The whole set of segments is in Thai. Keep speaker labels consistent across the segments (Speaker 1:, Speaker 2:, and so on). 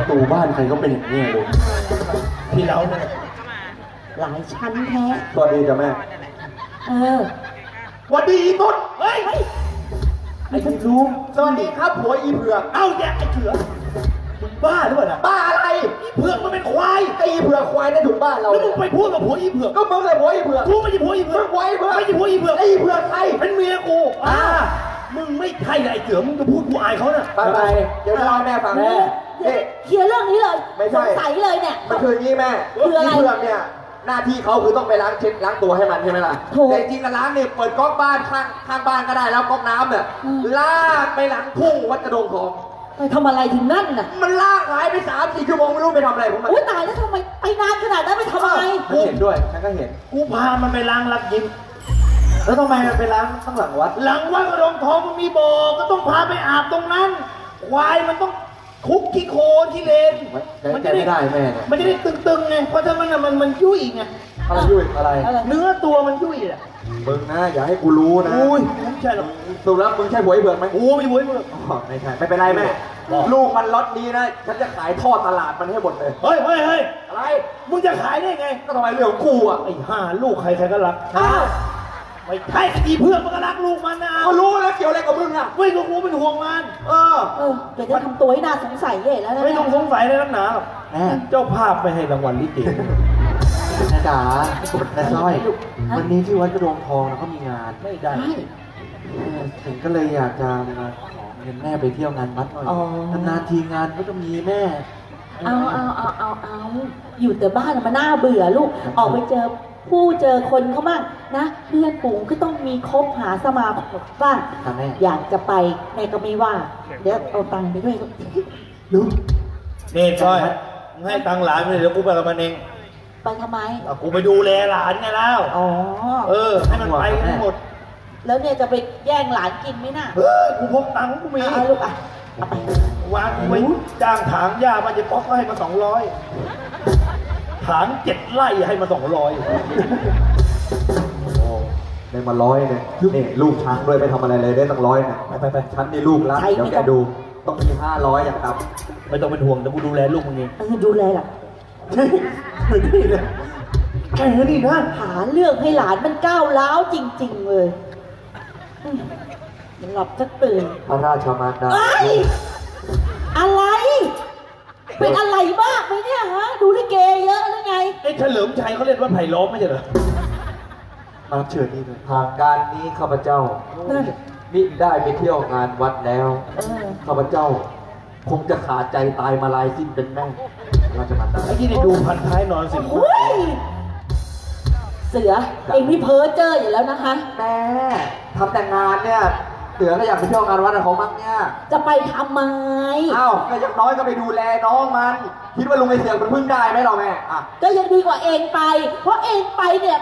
Speaker 1: ตูบ้านใครก็เป็นอย่างนี้เลยที่เราเนี่ย
Speaker 2: หลายชั้นแท้
Speaker 1: สวัสดีจ้ะแม่
Speaker 2: เออ
Speaker 1: สวัสดีอีนุชเฮ้ย
Speaker 2: ไอ้ลุง
Speaker 1: สวัสดีครับผัวอีเผือก
Speaker 3: เอ้าแยกไอ้เถื่อมึงบ้าหรือเปล่าน่ะ
Speaker 1: บ้าอะไร
Speaker 3: อีเผือกมันเป็นควาย
Speaker 1: ไอ้อีเผือกควายนั่นถูกบ้านเรา
Speaker 3: แล้วมึงไปพูดกับผัวอีเผือก
Speaker 1: ก็มึงเลยผัวอีเผือก
Speaker 3: กูไม่ใช่ผัวอีเผือก
Speaker 1: มึงผัวอีเผือก
Speaker 3: ไม่ใช่ผัวอีเผือก
Speaker 1: ไอ้อีเผือกใคร
Speaker 3: เป็นเมียกูมึงไม่ใช่ไอ้เถื่อมึงจะพูดกูอายเขาน่ะ
Speaker 1: ไปเดี๋ยวจะเล่าให้แม่ฟัง
Speaker 2: แม่
Speaker 1: นี่
Speaker 2: เคลียร์เรื่องนี้เลย
Speaker 1: ไม่ใช่
Speaker 2: สงสัยเลยเนี่ย
Speaker 1: มันคืออย่างนี้แม่
Speaker 2: คืออะไร
Speaker 1: อีเผือกเนี่ยหน้าที่เขาคือต้องไปล้างเช็ดล้างตัวให้มันใช่ไหมล่ะ
Speaker 2: ถูก
Speaker 1: แต่จริงๆแล้วล้างเนี่ยเปิดก๊อกบ้านข้างบ้านก็ได้แล้วก๊อกน้ำเนี่ย
Speaker 2: อืม
Speaker 1: ลากไปหลังทุ่งวัดกระโดงทอง
Speaker 2: ไปทำอะไรถึงนั่นน่ะ
Speaker 1: มันลากหายไป3-4 ชั่วโมงไม่รู้ไปทำอะไรของมัน
Speaker 2: อุ้ยตายแล้วทำไมไปนานขนาดนั้นไปทำอะไร
Speaker 1: ฉันเห็นด้วยฉันก็เห็น
Speaker 3: กูพามันไปล้างรักยิ้ม
Speaker 1: แล้วทำไมมันไปล้างข้างหลังวัด
Speaker 3: หลังวัดกระดงทองมันมีบ่อก็ต้องพาไปอาบตรงนั้น ควายมันต้องคุกขี้โคลนขี้เลน
Speaker 1: มันจะไม่ได้แม่เนี่ย
Speaker 3: มันจะได้ตึงๆไงเพราะถ้ามันยุ่ยไง
Speaker 1: อะไรยุ่ยอะไร
Speaker 2: อะไร
Speaker 3: เนื้อตัวมันยุ่ยอ่ะ
Speaker 1: มึงนะอย่าให้กูรู้นะ
Speaker 3: อุ้ยไม่ใช่หรอก
Speaker 1: สรุปแล้วมึงใช่ผัวไอ้เผือกไหม
Speaker 3: โอ้ไม่บุ้ยมึง
Speaker 1: อ๋อไม่ใช่ไม่เป็นไรแม่ ลูกมันล็อตนี้นะฉันจะขายทอดตลาดมันให้หมดเลย
Speaker 3: เฮ้ย
Speaker 1: อะไร
Speaker 3: มึงจะขายได้ไง
Speaker 1: ก็ทำไมเรื่องของกูอ่ะ
Speaker 3: ไอ้ห่าลูกใครก็รัก
Speaker 2: อ้าว
Speaker 3: ไม่ใช่อีเพื่อนมันก็รักลูกมันนะ
Speaker 1: ก็รู้แล้วเกี่ยวอะไรกับมึงอ่ะ
Speaker 3: ไม่ก็กูเป็นห่วงมัน
Speaker 1: เออ
Speaker 2: เออเดี๋ยวจะทำตัวให้น่าสงสัยใหญ่แล้วนะ
Speaker 3: ไม่ต้องสงสัยเลยนักหนาหรอก
Speaker 1: แม่
Speaker 3: เจ้าภาพไม่ให้รางวัลลิเก
Speaker 1: นะจ๋านะสร้อยวันนี้ที่วัดกระโดงทองนะเขามีงาน
Speaker 3: ไม่ได้
Speaker 2: ใช่
Speaker 1: ถึงก็เลยอยากจะมาขอเงินแม่ไปเที่ยวงานวัดหน่อย
Speaker 2: อ๋อ
Speaker 1: นานๆทีงานก็จะมีแม่
Speaker 2: เอาอยู่แต่บ้านมันน่าเบื่อลูก ออกไปเจอคนเขาบ้างนะ เพื่อนฝูงก็ต้องมีคบหาสมาคมบ้าง
Speaker 1: ค่ะแม่
Speaker 2: อยากจะไปแม่ก็ไม่ว่า เดี๋ยวเอาตังค์ไปด้วยลูก
Speaker 3: นี่ก้อยมึงให้ตังค์หลานไปเลยเดี๋ยวกูไปกับมันเอง
Speaker 2: ไปทำไม
Speaker 3: เอากูไปดูแลหลานไงแล้ว
Speaker 2: อ๋อ
Speaker 3: ให้มันไปทั้งหมด
Speaker 2: แล้วเนี่ยจะไปแย่งหลานกินไหมน่ะ
Speaker 3: เฮ้ยกูพกตังค์กูมี
Speaker 2: เอาลูกอ่ะเอาไป
Speaker 3: วางกูไว้จ้างถางหญ้ามันจะป๊อกก็ให้มา200ถาง7 ไร่ให้มา200
Speaker 1: โอ้ได้มา100เนี่ยนี่ลูกช้างด้วยไปทำอะไรเลยได้ตั้ง100เนี่ยไปฉันนี่ลูกละเดี๋ยวแกดูต้องมี500อย่างต่ำ
Speaker 3: ไม่ต้องเป็นห่วงเดี๋ยวกูดูแลลูกมึงเอง
Speaker 2: ดูแลล่ะ
Speaker 1: นี่เลย
Speaker 3: แค่นี้นะ
Speaker 2: หาเรื่องให้หลานมันก้าวร้าวจริง ๆ เลยหลับจะตื่น
Speaker 1: พระราชมารดา
Speaker 2: เอ้ยอะไร เป็นอะไรบ้างไหมเนี่ยฮะ ดูลิเกเยอะหรือไง
Speaker 3: ไอ้เฉลิมชัยเขาเล่นว่าไผ่ล้อมไม่ใช่เหรอ
Speaker 1: มาเชิญนี่เลยทางการนี้ข้าพเจ้า
Speaker 2: นั่น
Speaker 1: มิได้ไปเที่ยวงานวัดแล้ว
Speaker 2: เออ
Speaker 1: ข้าพเจ้า คงจะขาดใจตายมาลายสิ้นเป็นแม่ราชมารดา
Speaker 3: ไอ้ที่ได้ดูพันท้ายนอนสิ
Speaker 2: โอ้ยเสือ เองนี่เพ้อเจ้ออยู่แล้วนะคะ
Speaker 1: แม่ทำแต่งงานเนี่ยเสือก็อยากไปเที่ยวงานวัดกับเขามั้งเนี่ย
Speaker 2: จะไปทำไม
Speaker 1: อ้าวก็อย่างน้อยก็ไปดูแลน้องมัน คิดว่าลุงไอเสือกมันพึ่งได้ไหมเราแม่อ่ะ
Speaker 2: ก็ยังดีกว่าเองไป เพราะเองไปเนี่ย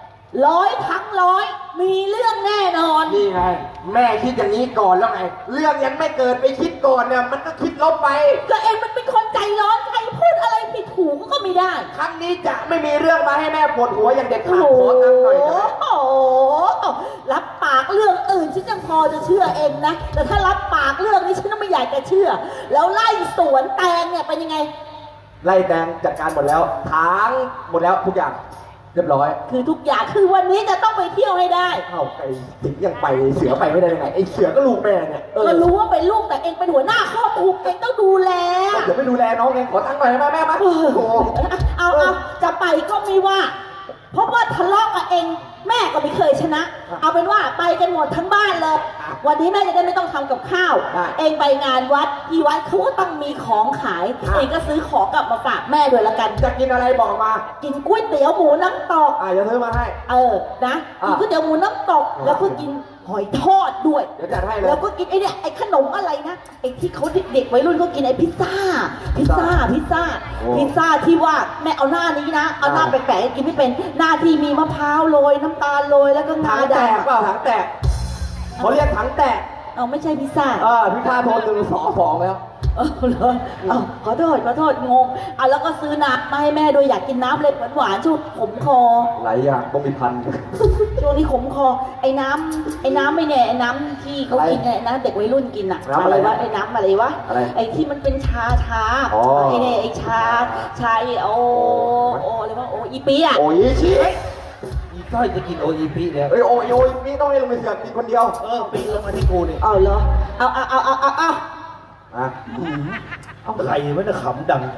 Speaker 2: 100 ทั้ง 100 มีเรื่องแน่นอน
Speaker 1: นี่ไง แม่คิดอย่างนี้ก่อนแล้วไง เรื่องยังไม่เกิดไปคิดก่อนเนี่ยมันก็คิดลบไป
Speaker 2: ก็เองมันเป็นคนใจร้อนใครพูดอะไรผิดถูกก็ไม่ได้
Speaker 1: ครั้งนี้จะไม่มีเรื่องมาให้แม่ปวดหัวอย่างเด็ด
Speaker 2: โอ้
Speaker 1: ขาด
Speaker 2: โห
Speaker 1: ขอตั้งค์หน่อยเถอะ
Speaker 2: รับปากเรื่องอื่นฉันยังพอจะเชื่อเองนะ แต่ถ้ารับปากเรื่องนี้ฉันก็ไม่อยากจะเชื่อ แล้วไล่สวนแตงเนี่ยเป็นยังไง
Speaker 1: ไล่แตงจัดการหมดแล้วทางหมดแล้วทุกอย่างเรียบร้อย
Speaker 2: คือทุกอย่างคือวันนี้จะต้องไปเที่ยวให้ได้
Speaker 1: เอ้าไอ้สิงยังไปเสือไปไม่ได้ยังไงไอ้เสือก็ลูกแม่เนี่ย
Speaker 2: ก็รู้ว่าเป็นลูกแต่เองเป็นหัวหน้าครอบครัวเองต้องดูแล
Speaker 1: เดี๋ยวไปดูแลน้องเองขอตั้งค์หน่อยได้ไหมแม่มา
Speaker 2: เอ
Speaker 1: โอ้
Speaker 2: อ
Speaker 1: โห
Speaker 2: เอาจะไปก็ไม่ว่า เพราะว่าทะเลาะกับเองแม่ก็ไม่เคยชนะ เอาเป็นว่าไปกันหมดทั้งบ้านเลย วันนี้แม่จะได้ไม่ต้องทำกับข้าว เองไปงานวัดที่วัดเขาก็ต้องมีของขาย เองก็ซื้อของกลับมาฝากแม่ด้วยละกัน
Speaker 1: จะกินอะไรบอกมา
Speaker 2: กินก๋วยเตี๋ยวหมูน้ำตก
Speaker 1: จะซื้อมาให้
Speaker 2: นะกินก๋วยเตี๋ยวหมูน้ำตก แล้วก็กินหอยทอดด้วย
Speaker 1: เดี๋ยวจัดให้เลย
Speaker 2: แล้วก็กินไอ้เนี่ยไอ้ขนมอะไรนะไอ้ที่เขาเด็กๆวัยรุ่นเขากินไอ้พิซซ่าพิซซ่าที่ว่าแม่เอาหน้านี้นะเอาหน้าแปลกๆกินไม่เป็นหน้าที่มีมะพร้าวโรยน้ำตาลโรยแล้วก็งา
Speaker 1: ถังแต
Speaker 2: ด
Speaker 1: กเปล่าถังแตกเขาเรียกถังแตก
Speaker 2: เอาไม่ใช่พิซซ่า
Speaker 1: พี่ข้าโทร122แล้ว
Speaker 2: เหรอเอาขอโทษงงเอาแล้วก็ซื้อน้ำมาให้แม่ด้วยอยากกินน้ำเลยหวานๆช่วงขมคอ
Speaker 1: หลายอย่างต้องมีพัน
Speaker 2: ช่วงนี้ขมคอไอ้น้ำไม่แน่ไอ้น้ำที่เขากินเนี่ยนะเด็กวัยรุ่นกินอะ
Speaker 1: น้ำอะไร
Speaker 2: วะไอ้น้ำอะไรวะ
Speaker 1: อะไร
Speaker 2: ไอ้ที่มันเป็นชา
Speaker 1: อ๋อ
Speaker 2: ไอ้เนี่ยไอ้ชาโออะไรวะโออีปีอะ
Speaker 1: โอ้ยชี้
Speaker 3: อีก้อยจะกินโออีพีแล้ว
Speaker 1: เอ้ยโอ้ยนี่ต้องให้ลงไปเสือกกินคนเดียว
Speaker 3: ปีลงมาที่กูนี่
Speaker 2: เอาเหรอเอา
Speaker 1: อ่ะ
Speaker 3: เอาใครมันจะขำดัง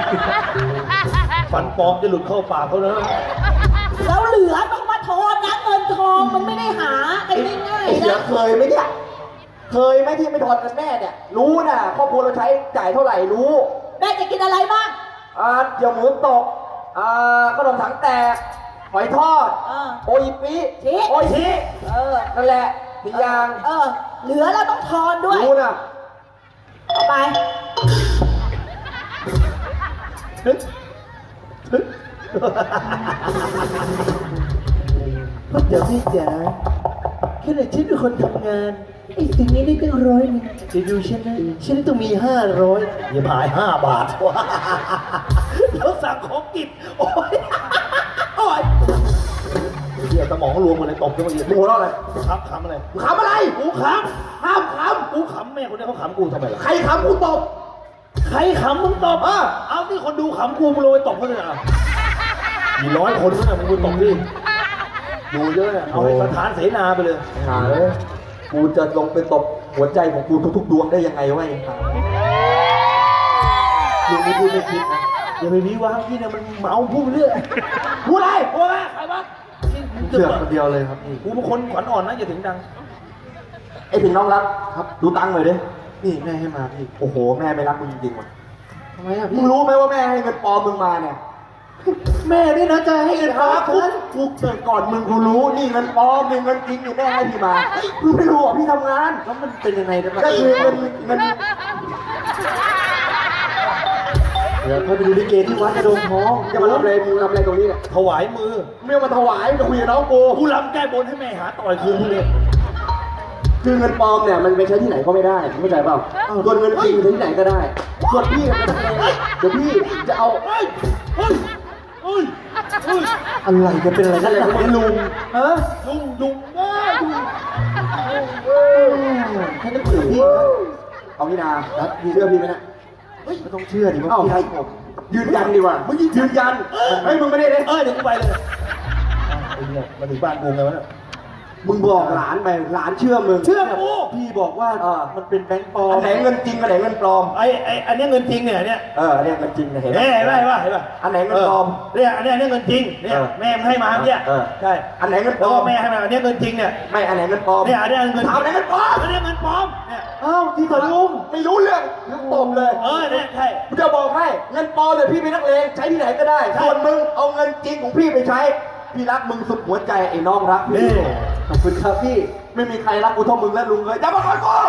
Speaker 3: ฟันปลอมจะหลุดเข้าปากเขานะ
Speaker 2: แล้วเหลือต้องมาทอนนะเงินทองมันไม่ได้หากันง่าย
Speaker 1: ไอ้
Speaker 2: ๆ
Speaker 1: เสือ
Speaker 2: นะ
Speaker 1: เคยไหมเนี่ยเคยไหมที่ไม่ทอนกันแม่เนี่ยรู้นะครอบครัวเราใช้จ่ายเท่าไหร่รู้
Speaker 2: แม่จะกินอะไรบ้าง
Speaker 1: เดี๋ยวหมูตกขนมถังแตกหอยทอด โออิปิ
Speaker 2: ชี้
Speaker 1: โออิชิ นั่นแหละมียาง
Speaker 2: เหลือแล้วต้องทอนด้วย
Speaker 1: รู้นะ
Speaker 2: เอาไป
Speaker 4: พ่อจ๋าพี่จ๋าแค่ไหนฉันเป็นคนทำงานไอ้สิ่งนี้ได้ตั้ง100จะดูฉันนะฉันต้องมี500
Speaker 3: อย่าพาย5 บาทวะแล้วสั่งของกินโอ้ยเดี๋ยวสมองรวมหมดเลยตบกันหมดเลย
Speaker 1: หมูแล้วอะไร
Speaker 3: ขำอะไร
Speaker 1: มึงขำอะไร
Speaker 3: กูข
Speaker 1: ห้ามข
Speaker 3: ำกูขำแม่คนนี้เขาขำกูทำไมล่ะ
Speaker 1: ำใครขำกูตบ
Speaker 3: ใครขำมึงตบเอาที่คนดูขำกูมึงลงไปตบเขาเลยอ่ะมี100 คนนะมึงไปตบดิดูเยอะเนี่ยเอาให้ประธานเสนาไปเลย
Speaker 1: หาเลยกูจะลงไปตบหัวใจของกูทุกๆดวงได้ยังไงวะไอ้ห่า
Speaker 3: ลุงไม่พูดไม่คิดนะอย่าไปวิวางพี่เนี่ยมันเมาพูดเรื่อยพูดอะไรพูดอะไรใครวะ
Speaker 1: เสือกคนเดียวเลยครับพี่
Speaker 3: กูเป็นคนขวัญอ่อนนะอย่าถึงดัง
Speaker 1: ไอ้ถึงน้องรักครับ ดูตังค์หน่อยดิ
Speaker 4: นี่แม่ให้มาพี่
Speaker 1: โอ้โห แม่ไม่รักมึงจริงๆว่ะ
Speaker 4: ทำไมอ่ะ
Speaker 1: มึ
Speaker 4: พี่
Speaker 1: งรู้ไหมว่าแม่ให้เงินปลอมมึงมาเนี่ย
Speaker 4: แม่นี่นะจะให้เงิน
Speaker 1: ครั
Speaker 4: ฟ้า
Speaker 1: บ
Speaker 4: ฉัน
Speaker 1: กูเกิดก่อนมึงกูรู้ นี่เงินปลอมนี่เงินจริงนี่แม่ให้พี่มามึงไม่รู้เหรอพี่ทำงาน
Speaker 4: แล้วมันเป็นยังไงนะ
Speaker 1: ก็คือเงิน
Speaker 4: เดี๋ยวเขาไปดูลิเกที่วัดกระโดงทอง
Speaker 1: จะมาทำอะไรมึงทำอะไรตรงนี้เนี่ย
Speaker 3: ถวายมือ
Speaker 1: ไม่เอามาถวายจะคุยกับน้องกู
Speaker 3: กูรำแก้บนให้แม่หาต่อยคืนพวกนี้
Speaker 1: คือเงินปลอมเนี่ยมันไปใช้ที่ไหนก็ไม่ได้เข้าใจเปล่าส่วนเงินจริงใช้ที่ไหนก็ได้ส่วนพี่เนี่ยเดี๋ยวพี่จะเอา
Speaker 3: เฮ้ยเฮ้ยเฮ้ยเฮ้ย
Speaker 4: อะไรจะเป็นอะไร
Speaker 1: นั่
Speaker 4: กัน น
Speaker 1: แหละ
Speaker 4: เนี่ย
Speaker 1: คุณลุง
Speaker 4: ฮะ
Speaker 3: ลุง
Speaker 4: ฉันต้องคุยกับพี่นะ
Speaker 1: เอาพี่นาเชื่อพี่ไหมนะ
Speaker 4: ไม่ต้องเชื่อดิว่า
Speaker 1: เอ้า
Speaker 4: พี่ให้ผม
Speaker 1: ยืนยันดีกว่ามึงยืนยันเฮ้ยมึงไม่ได้เลย
Speaker 3: เดี๋ยวกูไปเลยไอ้เนี่ยมาถึงบ้านกูไงวะเนี่ย
Speaker 1: มึงบอกหลานไปหลานเชื่อมึง
Speaker 3: เชื่อกู
Speaker 4: พี่บอกว่ามันเป็นแบงค์ปลอม
Speaker 1: อันไหนเงินจริงอันไหนเงินปลอม
Speaker 3: อันนี้เงินจริงเนี่ยเนี่ย
Speaker 1: อันเนี้ยเงินจริงนะเห็นไหม
Speaker 3: เห็นไหมเห็นป่ะ
Speaker 1: อันไหนเงินปลอม
Speaker 3: เนี่ยอันนี้เงินจริงเนี่ยแม่ให้มาเนี่ยใช่
Speaker 1: อันไหนเงินป
Speaker 3: แล้
Speaker 1: ล
Speaker 3: ว
Speaker 1: อ
Speaker 3: ก็
Speaker 1: ม
Speaker 3: แม่ให้มาอันนี้เงินจริงเนี่ย
Speaker 1: ไม่อันไหนเงินปลอม
Speaker 3: เนี่ยอันนี้เงิน
Speaker 1: ถามอันไหนเงินปลอม
Speaker 3: อันนี้เงินปลอมเนี่ย
Speaker 4: อ้าวที่กับลุง
Speaker 1: ไม่รู้เรื่องมึงตบเลย
Speaker 3: เนี่ยใช่
Speaker 1: กูจะบอกให้เงินปลอมเนี่ยพี่เป็นนักเลงใช้ที่ไหนก็ได้ส่วนมึงเอาเงินจริงของพี่ไปใช้พี่รักมึงสุดหัวใจไอ้น้องรักพี่
Speaker 3: นี่
Speaker 1: ขอบคุณครับพี่ไม่มีใครรักกูเท่ามึงและลุงเลยอย่ามาก่อนกู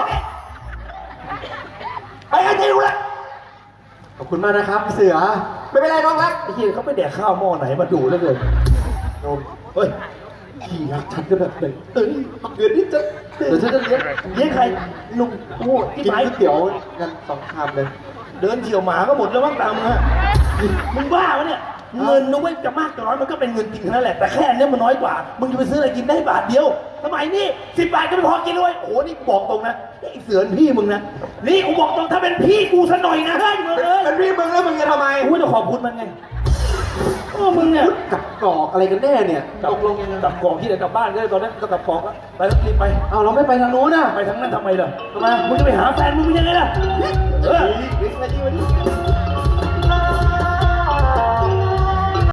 Speaker 1: ไปไอ้ที่รู้แล้ว
Speaker 4: ขอบคุณมากนะครับพี่เสือ
Speaker 1: ไม่เป็นไรน้องรัก
Speaker 3: ไอ้ที่เขาไปแดกข้าวหม้อไหนมาดูแล้วเกินโยมเฮ้ย
Speaker 4: พี่รักฉันก็แบบเป็น
Speaker 3: เดือนนี้จะ
Speaker 4: เดี๋ยวฉันจะเลี้ยง
Speaker 3: ใคร
Speaker 4: ลุงโอ้กินก๋วยเตี๋ยวกัน2 ชามเลย
Speaker 3: เดินเฉียวหมาก็หมดแล้วมั้งตามมึงฮะมึงบ้าวะเนี่ยเงินนุ้ยจะมากจะน้อยมันก็เป็นเงินจริงทั้งนั้นแหละแต่แค่นี้มันน้อยกว่ามึงจะไปซื้ออะไรกินได้บาทเดียวสมัยนี้10 บาทก็ไม่พอกินเลยโอ้โหนี่บอกตรงนะไอ้เสือนพี่มึงนะนี่กูบอกตรงถ้าเป็นพี่กูซะหน่อยนะเฮ้ยมึงเอ้ย
Speaker 1: เป็นพี่มึงแล้วมึงจะทำไม
Speaker 3: กูจะขอบคุณมันไงมึงเนี่ย
Speaker 4: กับกรอกอะไรกันแน่เนี่ย
Speaker 3: ตกลงยังไงกลับกล่องที่ไหนกลับบ้านก็ได้ตอนนั้นก็กลับกล่องแล้วไปแล้วรีบไป
Speaker 4: เอาเราไม่ไปทางนู้นนะ
Speaker 3: ไปทางนั้นทำไมล่ะทำไมมึงจะไปหาแฟนมึงเป็นยังไงล่ะเออ